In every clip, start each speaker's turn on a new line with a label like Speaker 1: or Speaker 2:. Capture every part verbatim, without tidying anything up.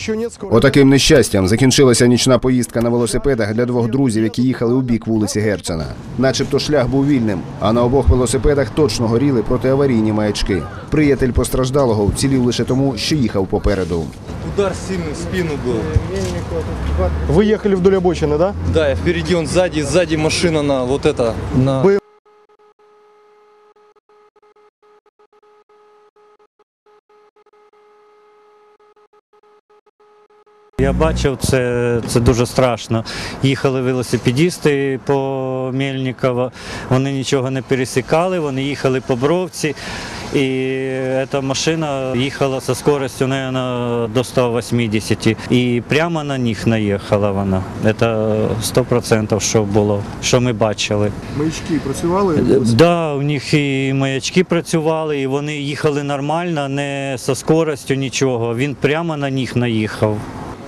Speaker 1: Отаким нещастям закінчилася нічна поїздка на велосипедах для двох друзів, які їхали у бік вулиці Герцена. Начебто шлях був вільним, а на обох велосипедах точно горіли протиаварійні маячки. Приятель постраждалого вцілів лише тому, що їхав попереду.
Speaker 2: Удар сильный в спину был.
Speaker 3: Вы ехали вдоль обочины, да?
Speaker 2: Да, я впереди, он сзади, сзади машина на вот это, на...
Speaker 3: Вы-
Speaker 4: Я бачив, це, це дуже страшно. Їхали велосипедисти по Мельниково, вони нічого не пересікали, вони їхали по Бровці. І ця машина їхала зі швидкістю, мабуть, до ста вісімдесят. І прямо на них наїхала вона. Це сто відсотків, що було, що ми бачили.
Speaker 3: Маячки працювали?
Speaker 4: Так, да, у них і маячки працювали, і вони їхали нормально, не зі швидкістю, нічого. Він прямо на них наїхав.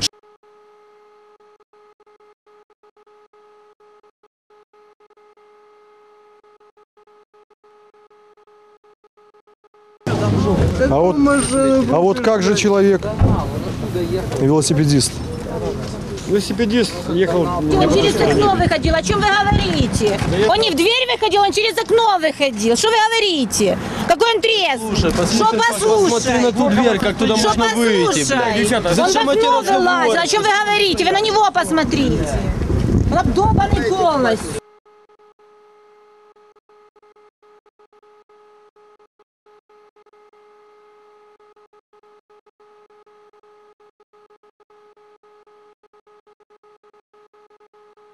Speaker 3: А вот, а вот как же человек, велосипедист?
Speaker 5: Велосипедист ехал.
Speaker 6: Он через окно выходил. О чем вы говорите? Он не в дверь выходил, он через окно выходил. Что вы говорите? Какой он трезвый? Что послушай?
Speaker 5: Посмотри на ту дверь, как туда
Speaker 6: Что
Speaker 5: можно выйти, блядь.
Speaker 6: послушай?
Speaker 5: Девчата,
Speaker 6: Он в
Speaker 5: зачем эти
Speaker 6: окно вылазил.
Speaker 5: разговоры?
Speaker 6: О чем вы говорите? Вы на него посмотрите. Он обдолбанный полностью.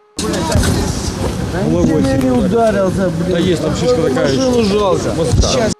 Speaker 5: Да есть там шишка такая. Машину жалко.